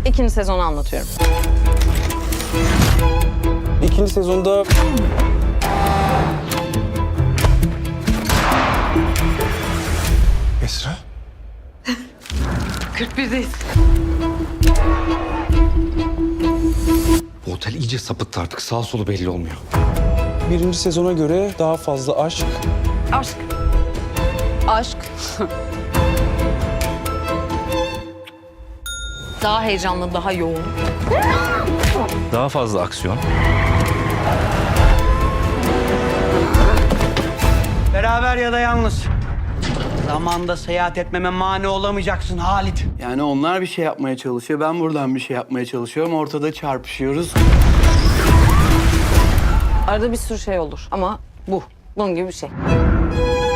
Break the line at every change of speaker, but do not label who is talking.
İkinci sezonu anlatıyorum.
İkinci sezonda... Esra?
41'deyiz.
Bu otel iyice sapıttı artık. Sağ solu belli olmuyor.
Birinci sezona göre daha fazla aşk.
Aşk. Aşk. Daha heyecanlı, daha yoğun.
Daha fazla aksiyon.
Beraber ya da yalnız. Zamanda seyahat etmeme mani olamayacaksın Halit.
Yani onlar bir şey yapmaya çalışıyor, ben buradan bir şey yapmaya çalışıyorum. Ortada çarpışıyoruz.
Arada bir sürü şey olur ama bu. Bunun gibi bir şey.